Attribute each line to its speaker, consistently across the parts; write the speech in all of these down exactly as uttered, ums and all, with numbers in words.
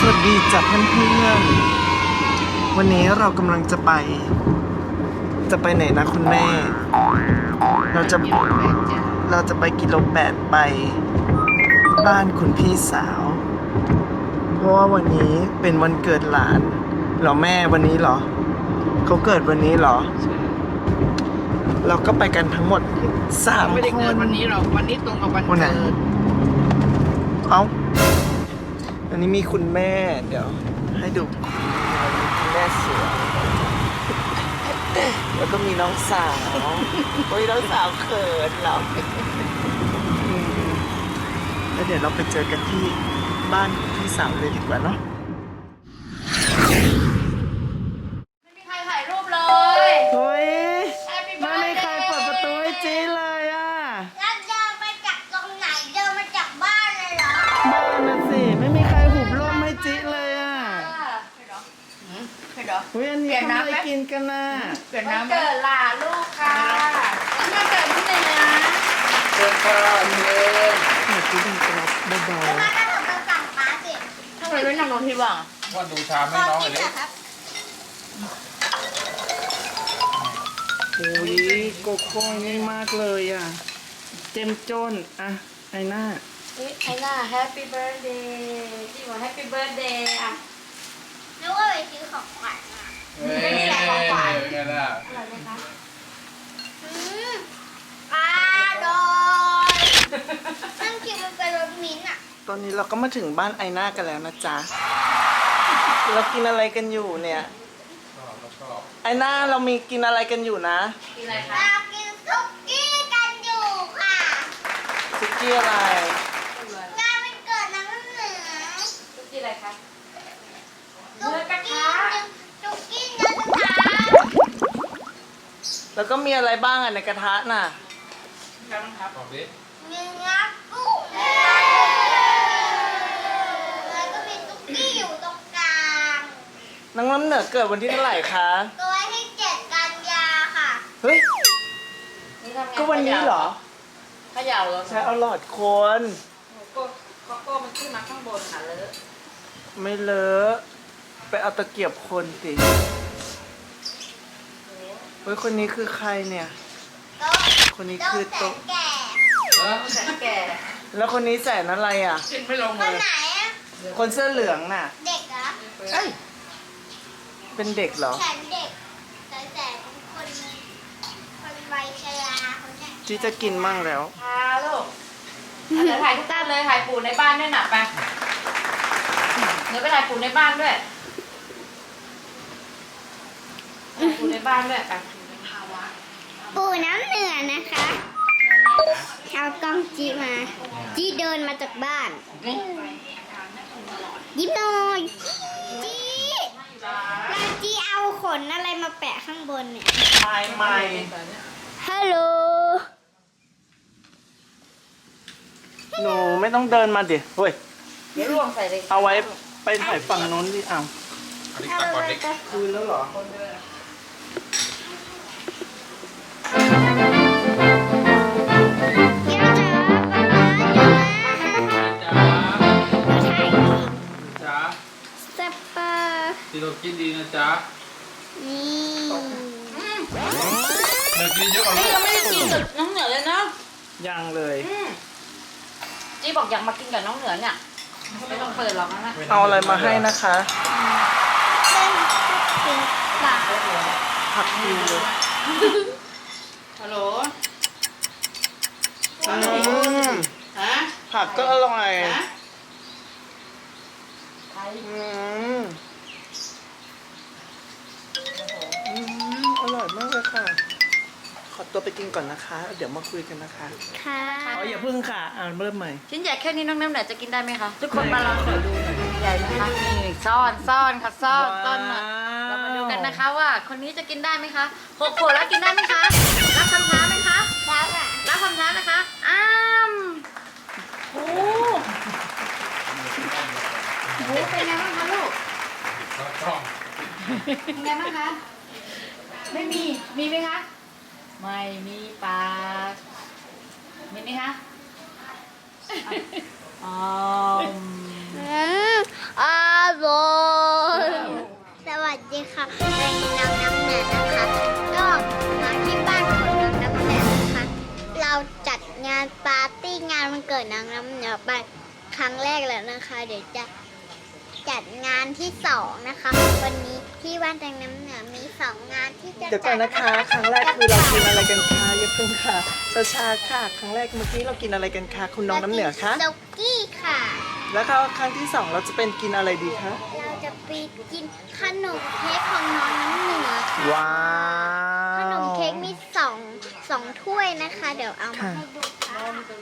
Speaker 1: วัสดีจ้ะเพื่อนๆวันนี้เรากำลังจะไป จะไปไหนนะคุณแม่ เราจะเราจะไปกิโลแปดไปบ้านคุณพี่สาว เพราะว่าวันนี้เป็นวันเกิดหลานเหรอแม่วันนี้เหรอเขาเกิดวันนี้เหรอ เราก็ไปกันทั้งหมดสามคนไม่ได้เกิดวันนี้หรอกวันนี้ตรงกับวันเกิดเอ้าอันนี้มีคุณแม่เดี๋ยวให้ดูคุณแม่สวยแล้วก็มีน้องสาวโอ้ยน้องสาวเขินเราแล้วเดี๋ยวเราไปเจอกันที่บ้านพี่สาวเลยดีกว่าเนาะ
Speaker 2: ไม่มีใครถ่ายรูปเลย
Speaker 1: เฮ้ยไม่มีใครเปิดประตูให้จีเลยอ่ะ
Speaker 3: แล้วเดินมาจากตรงไหนเดินมาจากบ้านเลยเหรอ
Speaker 1: บ้านน่ะสิไม่มีใครหุบร่มให้จีเลยอ่ะ
Speaker 2: เผ็ดเหรอ
Speaker 1: เฮ้ยอันนี้ทำอะไรกินกันน่ะ
Speaker 2: เกิดน้ำเกิดหลานลูกค่ะแล้วมาเกิดที่ไหนนะ
Speaker 1: เดินก่อนเลยหนูกินเป็นกระเบา
Speaker 3: มาก็ถึงมาสั่งป้าสิ
Speaker 2: ทำไมไม่นั่งลงที่บ้าง
Speaker 4: ว่าดูชามให้น้องหน่อยดิ
Speaker 3: ครับ
Speaker 1: ๆโอ้ยโกโก้นี่มากเลยอ่ะเจมจนอ่ะไอ้หน้า
Speaker 2: เฮ้ยไอ้น่าแฮปปี้เบิร์ดเดย์ที่บอกแฮปปี้เบิร์ดเดย์อ่ะ
Speaker 3: นึกว่าไปซื้อของขวัญมา
Speaker 4: เฮ้ยเป็นไงล่ะ
Speaker 2: อร่อยไหมคะ
Speaker 3: อืมอร่อยนั่นคิดว่าเป็นรสมิ้นท์อ่ะ
Speaker 1: ตอนนี้เราก็มาถึงบ้านไอหน้ากันแล้วนะจ๊ะเรากินอะไรกันอยู่เนี่ยไอหน้าเรามีกินอะไรกันอยู่นะ
Speaker 2: กินอะไรคะ
Speaker 3: เรากินซุกี้กันอยู่ค่ะ
Speaker 1: ซุกี้อะไร
Speaker 3: งานวันเกิดน้ำเหนือ
Speaker 2: ซุกี้อะไรคะ
Speaker 3: ซุกี้ซุกี้เนื้อกระทะ
Speaker 1: แล้วก็มีอะไรบ้างอ่ะในกระทะน่ะ
Speaker 2: ครับน้องครับ
Speaker 4: บอกดิ
Speaker 3: เนื้อกุ้งแล้วก็มีซุกี้อยู่ตรงกลาง
Speaker 1: น้องน้ำเหนือเกิดวันที่เท่าไหร่คะ
Speaker 3: ตัวที่เจ็ดกันยาค่ะ
Speaker 1: เฮ้ย
Speaker 2: นี่ทำไง
Speaker 1: ก็วันนี้เหรอ
Speaker 2: เขย่าเหรอ
Speaker 1: ใช้เอาหลอดคน
Speaker 2: โก้โกโก้มันขึ้นมาข้างบนค่ะเลอะ
Speaker 1: ไม่เลอะไปเอาตะเกียบคนสิเฮ้ยคนนี้คือใครเนี่ย
Speaker 3: โต๊ะ
Speaker 1: คนนี้
Speaker 3: โต๊ะ
Speaker 1: คือ
Speaker 3: แส
Speaker 1: โต๊ะ
Speaker 3: นแก่
Speaker 4: เออ
Speaker 2: แสนแก่
Speaker 1: แล้วคนนี้แสนอะไรอ่ะ
Speaker 2: กินไม่ลง
Speaker 3: ค
Speaker 2: เล
Speaker 3: น
Speaker 2: ย
Speaker 3: ไหนอะ
Speaker 1: คนเสื้อเหลืองน่ะ
Speaker 3: เด็กเหรอ
Speaker 1: เอ้ยเป็นเด็กเหรอ
Speaker 3: แสนเด็กแต่แสนคนคนวัยชราคนเนี้ย
Speaker 1: จีจะกินมั่งแล้ว
Speaker 2: พาลูกเอาเดี๋ยวถ่ายทุกท่านเลยถ่ายปู่ในบ้านด้วยหน่ะไปเดี๋ยวไปถ่ายปู่ในบ้านด้วยถ่ายปู่ในบ้านด้วยไป
Speaker 3: ปู่น้ำเหนือนะคะเอากล้องจีมาจีเดินมาจากบ้าน ยิ้มหน่อยจีแล้วจีเอาขนอะไรมาแปะข้างบนเนี่ย
Speaker 1: ไม่ไม่
Speaker 3: ฮัลโหล
Speaker 1: หนูไม่ต้องเดินมาดิเฮ้ย
Speaker 2: เดี๋ยวลวงใส่เลย
Speaker 1: เอาไว้ไปถ่ายฝั่งโน้นดิอ้าว
Speaker 4: อันนี้ตักก่อนดิ
Speaker 1: คืนแล้วเหรอ
Speaker 3: เดี๋ยวเจอป๊าป๊าเดี๋ยวมา
Speaker 4: จ้าจ้า
Speaker 3: สปา
Speaker 4: ที่เรากินดีนะจ๊ะ
Speaker 3: นี่
Speaker 4: เดี๋ยวกินเยอะกว่าลู
Speaker 2: นี่
Speaker 4: ก
Speaker 2: ยังไม่ได้กินกับน้องเหนือเลยนะ
Speaker 1: ยังเลย
Speaker 2: อืมจีบอกอยากมากินกับน้องเหนือเนี่ยไม่ต้องเปิดหรอกนะ
Speaker 1: เอาอะไรมาให้นะคะ
Speaker 3: เป็นปาก
Speaker 1: ผักดีเลย
Speaker 2: ฮัลโหล
Speaker 1: อืม
Speaker 2: ฮะ
Speaker 1: ผักก็อร่อย
Speaker 2: ฮะใคร
Speaker 1: อืมอืมอร่อยมากเลยค่ะ ขอตัวไปกินก่อนนะคะ เดี๋ยวมาคุยกันนะคะ
Speaker 3: ค่ะ
Speaker 1: อ๋ออย่าพึ่งค่ะอ่านเริ่มใหม่
Speaker 2: ชิ้นใหญ่แค่นี้น้องน้ำเหนือจะกินได้ไหมคะทุกคนมาลองขอดูหน่อยใหญ่ไหมคะนี่ซ่อนซ่อนค่ะซ่อนซ่อนหน่อยเรามาดูกันนะคะว่า คนนี้จะกินได้ไหมคะหกขวบแล้วกินได้ไหมคะรับคำท้าไหมคะ
Speaker 3: แล้วอ่ะ
Speaker 2: รับคำท้านะคะอ้ามโอ้โหเป็นไงบ้างคะลูก
Speaker 4: ช่อง
Speaker 2: เป็นไงบ้างคะ ไม่มี มีไหมคะ ไม่มีปากมีไหมคะอ๋อ
Speaker 3: อืมอร่กิดน้องน้ำเหนือไปครั้งแรกแล้วนะคะ เดี๋ยวจะจัดงานที่สองนะคะ วันนี้ที่บ้านแตงน้ำเหนือมีสองงานที่จะ
Speaker 1: เดี๋ยวก่อนนะคะ ครั้งแรกคือเรากินอะไรกันคะอย่าเพิ่งค่ะช้าๆค่ะ ครั้งแรกเมื่อกี้เรากินอะไรกันคะคุณน้องน้ำเหนือคะ
Speaker 3: สุกี้ค่ะ
Speaker 1: แล้วก็ครั้งที่สองเราจะเป็นกินอะไรดีคะ
Speaker 3: เราจะไปกินขนมเค้กของน้องน้ำเหนือค่ะ
Speaker 1: ว้าว
Speaker 3: ขนมเค้กมีสองสองถ้วยนะคะ เดี๋ยวเอามา
Speaker 1: ค่ะ
Speaker 3: ให้ดูค่ะ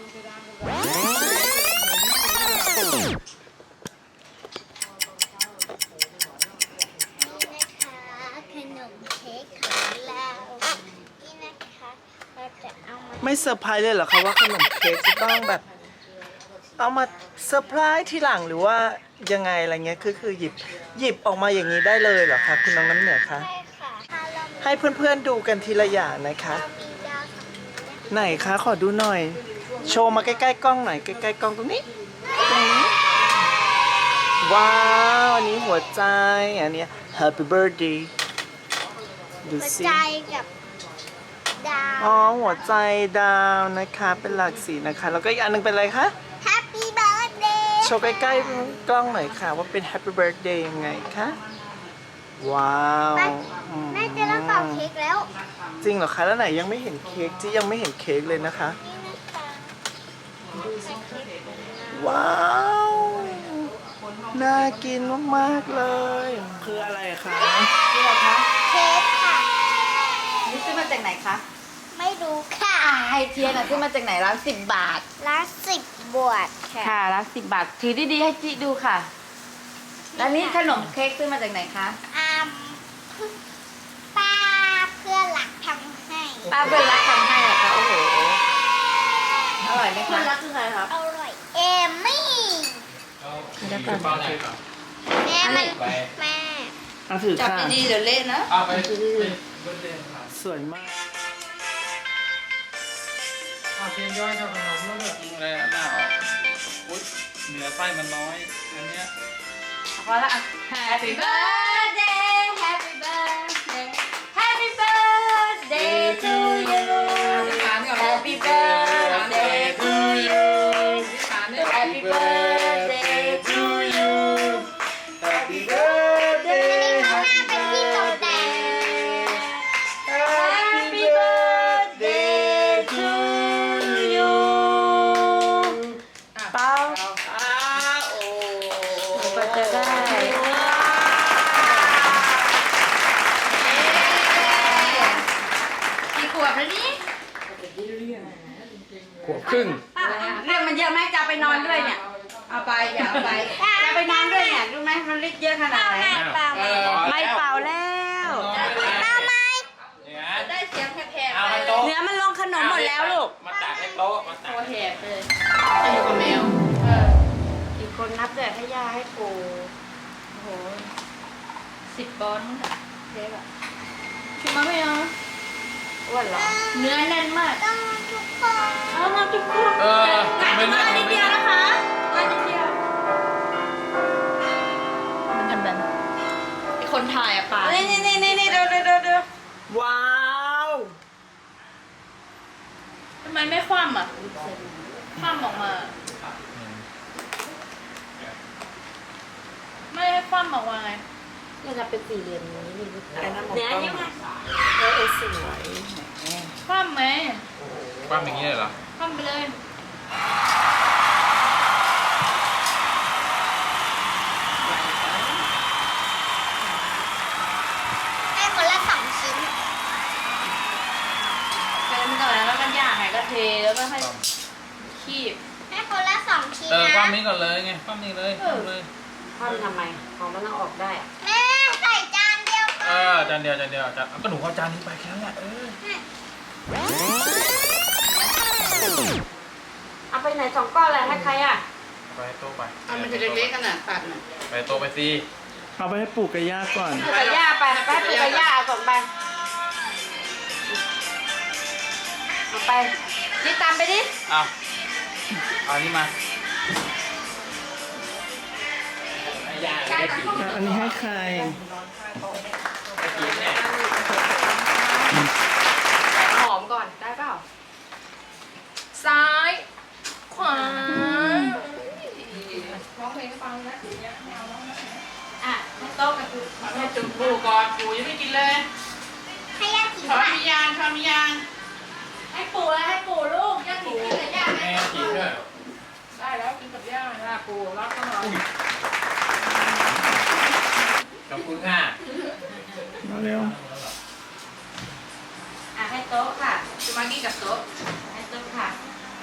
Speaker 3: นี่นะคะขนมเค้กของเรานี่นะคะเราจะเอามา
Speaker 1: ไม่เซอร์ไพรส์เลยเหรอคะว่าขนมเค้กจะต้องแบบ เอามาเซอร์ไพรส์ทีหลังหรือว่ายังไงอะไรเงี้ยคือคือหยิบหยิบออกมาอย่างนี้ได้เลยเหรอคะคุณน้องน้ำเหนือคะ
Speaker 3: ใช่ค่ะถ้าเรามี
Speaker 1: ให้เพื่อนๆดูกันทีละอย่างนะคะ
Speaker 3: เรามีดาวสองดวง
Speaker 1: ไหนคะขอดูหน่อย โชว์มาใกล้ๆกล้องหน่อยใกล้ๆกล้องตรงนี้ตรงนี้ว้าวอันนี้หัวใจอันเนี้ย Happy Birthday ดู
Speaker 3: หัว
Speaker 1: สิ
Speaker 3: ใจกับดาว
Speaker 1: อ๋อหัวใจดาวนะคะเป็นหลากสีนะคะแล้วก็อีกอันหนึงเป็นอะไรคะ
Speaker 3: Happy Birthday
Speaker 1: โชว์ใกล้ๆกล้องหน่อยค่ะว่าเป็น Happy Birthday ยังไงคะว้าว
Speaker 3: แม่
Speaker 1: อืม
Speaker 3: แม่จะเริ่มเป่าเค้กแล้ว
Speaker 1: จริงเหรอคะแล้วไหนยังไม่เห็นเค้กที่ยังไม่เห็นเค้กเลยนะคะ
Speaker 3: นี่นะคะใส่เค้กของเรา
Speaker 1: ว้าวน่ากินมากๆเลย คืออะไรคะ
Speaker 2: นี่เหรอคะ
Speaker 3: เค้กค่ะ
Speaker 2: นี่ซื้อมาจากไหนคะ
Speaker 3: ไม่รู้ค่ะ
Speaker 2: อ่าไฮเทียนอ่ะซื้อมาจากไหนร้านสิบบาท
Speaker 3: ละสิบบวชค่ะ
Speaker 2: ค่ะร้านสิบบาทถือดีๆให้จิดูค่ะ แล้วนี่ขนมเค้กซื้อมาจากไหนคะ
Speaker 3: อ่าป้าเพื่อนหลักทำให้
Speaker 2: ป้าเบลรักทำให้เหรอคะโอ้โหอร่อยไหมคะเบลรักคือใครครับ
Speaker 3: อร่อยเอมมี่
Speaker 4: แล้วคือเป้าไหนครับ
Speaker 3: แม่มัน
Speaker 4: ไป
Speaker 3: แม่
Speaker 1: เอาถือ
Speaker 2: จับ
Speaker 1: ค่ะ
Speaker 2: ดีๆเดี๋ยวเละนะ
Speaker 4: เอาไปไปเบิร์ดเดย์ครับ
Speaker 1: สวยมาก
Speaker 4: เอาเทียนย่อยกับขนมแล้วแบบอะไรอ่ะหน้าออกอุ๊ยเนื้อไส้มันน้อยอันเนี้ย
Speaker 2: พอละอ่ะ Happy birthday Happy birthday Happy birthday to you Happy birthday to you Happy birthday to you
Speaker 1: Happy birthday
Speaker 3: ข้างหน้าเป็นที่ตกแต่ง
Speaker 1: Happy birthday to you เป้าอ้าโอ้
Speaker 2: ก็จะได้กี่ขวบแล้วนี่
Speaker 4: ขวบครึ่ง
Speaker 2: เรื่องมันเยอะไหมจะเอาไปนอนด้วยเนี่ย เอาไปอย่าเอาไปจะไปนอนด้วยเนี่ยรู้ไหมมันฤทธิ์เยอะขนาดไหน
Speaker 3: เปล่า
Speaker 4: เออ
Speaker 2: ไม่เป่าแล้ว
Speaker 3: เปล่าไหม
Speaker 4: เนี่ย
Speaker 2: ได้เสียงแผล
Speaker 4: เอามาโต๊ะ
Speaker 2: เนื้อมันลงขนมหมดแล้วลูก
Speaker 4: มาตักให้โต๊ะมาตัก
Speaker 2: โอแหบเลยจะอยู่กับแมวเอออีกคนนับแต่ให้ย่าให้ปูโอ้โหสิบบอนเด็กอะชิมมาไม่เอาอ้วนเหรอเนื้อแน่นมาก
Speaker 3: ต้องทุกคน
Speaker 2: เอามาทุกคน
Speaker 4: เออ
Speaker 2: กัด
Speaker 4: ไม่
Speaker 2: มา
Speaker 4: เลือก
Speaker 2: นิดเดียวนะคะมานิดเดียวมันจะแบบไอคนถ่ายอะป่านี่นี่นี่นี่เดี๋ยวเดี๋ยวเดี๋ยวเดี๋ยว
Speaker 1: ว้าว
Speaker 2: ทำไมไม่คว่ำอ่ะคว่ำออกมา ไม่ให้คว่ำออกมาไง
Speaker 5: ก็จะเป็นสี่เหลี่ยมนี้นี่
Speaker 1: ไอ้นั่นหมด
Speaker 5: เนื้อ
Speaker 1: ต้อง
Speaker 5: ยังไง
Speaker 1: เออเออสวย
Speaker 2: คว่ำไหม
Speaker 4: ปั้มอย่างนี้เลยเหรอ
Speaker 2: คว่ำไปเลย
Speaker 3: ให้คนละสองชิ้น
Speaker 2: เติมก่อนแล้วก็ย่างไงก็เทแล้วก็ให้คีบ
Speaker 3: ให้คนละสองชิ้น
Speaker 4: เออ
Speaker 3: นะ
Speaker 4: ปั้มนี้ก่อนเลยไงปั้มนี้เลยปั้มเลย
Speaker 5: ทำทำไม ของมันต้องออกได้อะ
Speaker 3: แม่ใส่จานเดียว
Speaker 4: เออจานเดียวจานเดียวจานก็หนูเอาจานนี้ไปแค่นั้นแหละเออ
Speaker 5: เอาไปไหนสองก้อนเลยให้ใครอ่ะ
Speaker 4: ไปโต๊ะไป
Speaker 2: อันมันจะเล็กๆกันน่ะตัดน่ะ
Speaker 4: ไปโต๊ะไปสิ
Speaker 1: เอาไปให้ปู่กับย่าก่อน
Speaker 5: ปูกับย่าไปไปให้ปูกับย่าเอาส่งไปเอาไปนี่ตามไปดิ
Speaker 4: เอาเอานี่มา
Speaker 1: อันนี้ให้ใคร
Speaker 5: หอมก่อนได้เปล่า
Speaker 2: ซ้าย
Speaker 1: ค
Speaker 2: ขวา
Speaker 5: ร้องเพลงให้ฟังนะ
Speaker 2: อ่ะให้โต๊ะกับกู
Speaker 4: ให้จุ่มปูก่อนปูยังไม่กินเลย
Speaker 3: ให้ย่ากิน
Speaker 4: ช้อน
Speaker 3: ด้วย
Speaker 4: มียางช้อนมียาง
Speaker 2: ให้ปู่แล้วให้ปู่ลูกย่าถิ่นกินกับย่าไหม
Speaker 4: แม่กินด้วย
Speaker 5: ได้แล้วกินกับย่าหน้าปูรับก็นอน
Speaker 4: ขอบคุณค่ะ
Speaker 1: มาเร็ว
Speaker 2: อ่ะให้โต๊ะค่ะ
Speaker 5: จะมากินกับโต๊ะ
Speaker 2: ให้โต๊ะค่ะ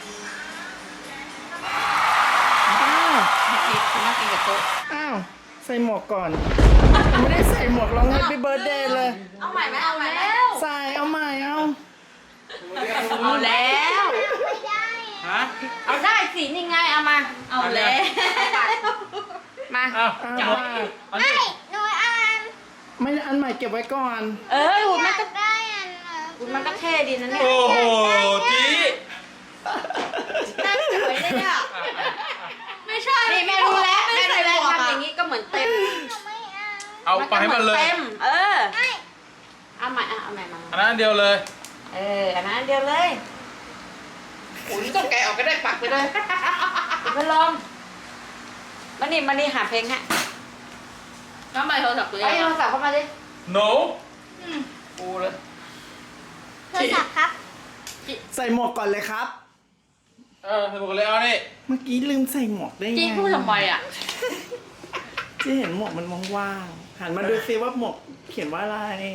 Speaker 1: อ้าว
Speaker 5: จะมากินกับโต๊ะ
Speaker 1: อ้าวใส่หมวกก่อนไม่ได้ใส่หมวกร้อง Happy Birthday เลย
Speaker 2: เอาใหม่ไหมเอาแล้ว
Speaker 1: ใส่เอาใหม่เอา
Speaker 2: เอาแล้ว
Speaker 3: ไม่ได้
Speaker 4: ฮะ
Speaker 2: เอาได้สินี่ไงเอามา เอาแล้วมา
Speaker 4: เอา
Speaker 1: อ้าว
Speaker 4: จับ
Speaker 1: ว่า
Speaker 4: เอา
Speaker 3: ไม่
Speaker 4: ดิ
Speaker 3: หนูอ่าน
Speaker 1: ไม่อันใหม่เก็บไว้ก่อน
Speaker 2: เอ้ยหุ่น
Speaker 3: อ
Speaker 2: มัน
Speaker 3: ยา
Speaker 2: ก็
Speaker 3: กได้อันเออ
Speaker 2: หุ่นมันก็เท่ดีนะเนี่ย
Speaker 4: โอ้โหจี
Speaker 2: น่าสวยเลยอ่ะ
Speaker 5: ไม่ใช่
Speaker 2: นี่แม่รู้แล้วแม่รู้แล้วทำอย่างนี้ก็เหมือนเต็ม
Speaker 3: หนูไม่อ่าน
Speaker 4: เอาไปให้มันเลย
Speaker 2: เต็ม เออ
Speaker 3: ไม่
Speaker 2: เอาใหม่อ่ะเอาใหม่มา
Speaker 4: อันนั้นอันเดียวเลย
Speaker 2: เอออันนั้นอันเดียวเลย
Speaker 5: โอ้ยต้องแกะออกก็ได้ปักไปเลย
Speaker 2: พัดลมมานี่มานี่หาเพลงฮะ
Speaker 5: น้ำมันโทรศัพท์ตัวเอ
Speaker 2: เอา
Speaker 5: ง
Speaker 2: โทรศัพท์เข้ามาดิ
Speaker 4: no
Speaker 5: ปูเลย
Speaker 3: โทรศัพท์ครับ
Speaker 1: ใส่หมวกก่อนเลยครับ
Speaker 4: เออสมุกเลยเอานี่
Speaker 1: เมื่อกี้ลืมใส่หมวกได้ไง
Speaker 5: จี้พูดทำไมอ่ะ
Speaker 1: เจะเห็นหมวกมันว่างๆหันมาดูซิว่าหมวกเขียนว่าอะไร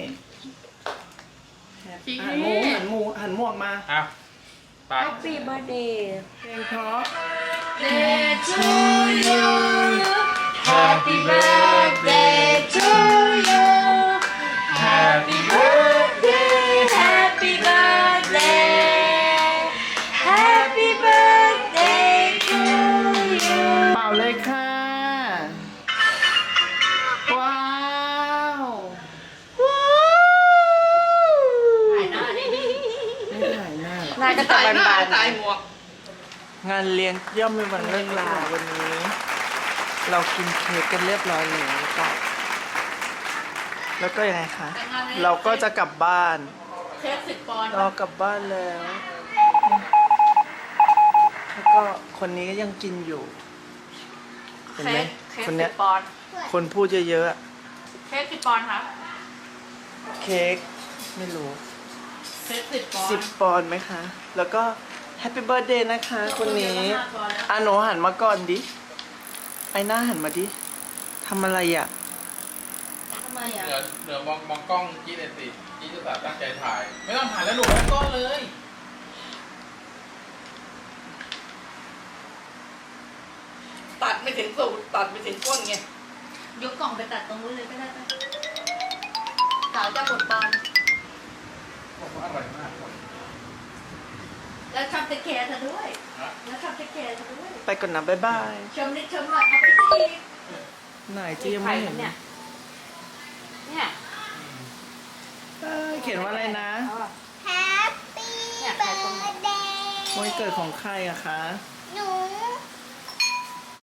Speaker 5: จริง
Speaker 1: หันหมูหันหมูหันหมวกมา
Speaker 4: เอาไป
Speaker 2: Happy birthday
Speaker 1: เพลงเพราะ
Speaker 2: Day to you Happy birthday to you Happy birthday Happy birthday Happy birthday to you
Speaker 1: เป่าเลยค่ะ ว้าว
Speaker 5: ถ่ายหน้าดิ
Speaker 1: ไม่ถ่ายหน้า
Speaker 2: นายก็ตัด
Speaker 5: ถ่ายหน้า
Speaker 2: บาน
Speaker 5: ถ่ายหมวก
Speaker 1: งานเลี้ยงย่อมเป็นวันเลิกลาวันนี้ เรากินเค้กกันเรียบร้อยแล้วก็แล้วก็ยังไงคะ เราก็จะกลับบ้าน
Speaker 5: เค้กสิบปอนด์
Speaker 1: เรากลับบ้านแล้ว แล้วก็คนนี้ก็ยังกินอยู่ เห็นไหม
Speaker 5: เค้ก
Speaker 1: คน
Speaker 5: สิ
Speaker 1: เนี้ย
Speaker 5: บปอนด์
Speaker 1: คนพูดเยอะๆอะ
Speaker 5: เค้กสิบปอนด์ครับ
Speaker 1: เค้กไม่รู้
Speaker 5: เค้กสิบปอน
Speaker 1: สิบ
Speaker 5: ด์
Speaker 1: ปอนด์ไหมคะ แล้วก็แฮปปี้เบิร์ดเดย์นะคะ คนนี้อ่ะหนูหันมาก่อนดิ ไอหน้าหันมาดิทำอะไรอ่ะ
Speaker 2: ทำไมอ่ะ
Speaker 4: เดี๋ยวเดี๋ยวมองมองกล้องจี้เลยสิจี้จะตั้งใจถ่าย ไม่ต้องถ่ายแล้วหนูไม่ต้นเลย
Speaker 5: ตัดไม่ถึงสูตรตัดไม่ถึงก้นไง
Speaker 2: ยกกล่องไปตัดตรงนู้นเลยก็ได้ปะสาวจะบดบอล
Speaker 4: บอกว่าอร่อยมาก
Speaker 2: แล้วชอบเทคแคร์เธอด้วย
Speaker 4: นะ
Speaker 2: แล้วชอบเทคแคร์เธอด้วย
Speaker 1: ไปก่อนนะบ๊ายบาย
Speaker 2: ชมนิดชมหน่อยเอาไปที่
Speaker 1: ไหนจียังไม่เห็น
Speaker 2: เนี่ย เนี่ย
Speaker 1: เอ้ยเขียนว่าอะไรนะ
Speaker 2: เอาอะ
Speaker 3: แฮปปี้
Speaker 2: เนี่ย
Speaker 3: เบิ
Speaker 2: ใครส่ง
Speaker 3: ร์ดเดย์
Speaker 1: วันเกิดของใครอะคะ
Speaker 3: ข